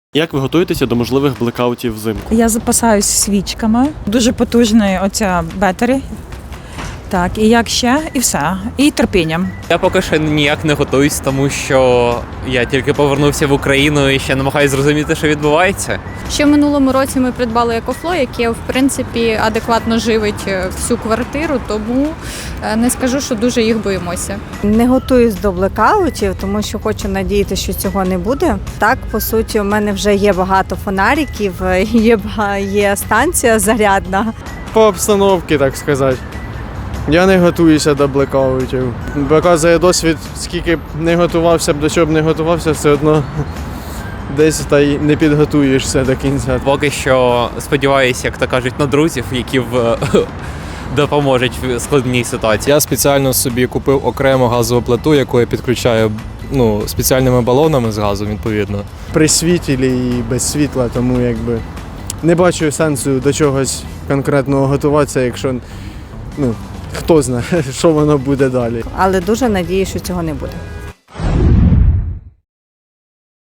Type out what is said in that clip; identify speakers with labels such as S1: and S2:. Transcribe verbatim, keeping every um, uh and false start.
S1: Як ви готуєтеся до можливих блекаутів взимку?
S2: Я запасаюсь свічками. Дуже потужний оця бетері. Так, і як ще, і все. І терпінням.
S3: Я поки що ніяк не готуюсь, тому що я тільки повернувся в Україну і ще намагаюся зрозуміти, що відбувається.
S4: Ще в минулому році ми придбали екофло, яке, в принципі, адекватно живить всю квартиру, тому не скажу, що дуже їх боїмося.
S5: Не готуюсь до блекаутів, тому що хочу надіятися, що цього не буде. Так, по суті, у мене вже є багато фонариків, є, бага- є станція зарядна.
S6: По обстановці, так сказати. Я не готуюся до блекаутів. Показує досвід, скільки б не готувався б, до чого б не готувався, все одно десь та й не підготуєшся до кінця.
S3: Поки що сподіваюся, як то кажуть, на друзів, які в... допоможуть в складній ситуації.
S7: Я спеціально собі купив окрему газову плиту, яку я підключаю ну, спеціальними балонами з газом, відповідно.
S6: При світлі і без світла, тому якби не бачу сенсу до чогось конкретного готуватися, якщо ну, хто знає, що воно буде далі.
S5: Але дуже надіюсь, що цього не буде.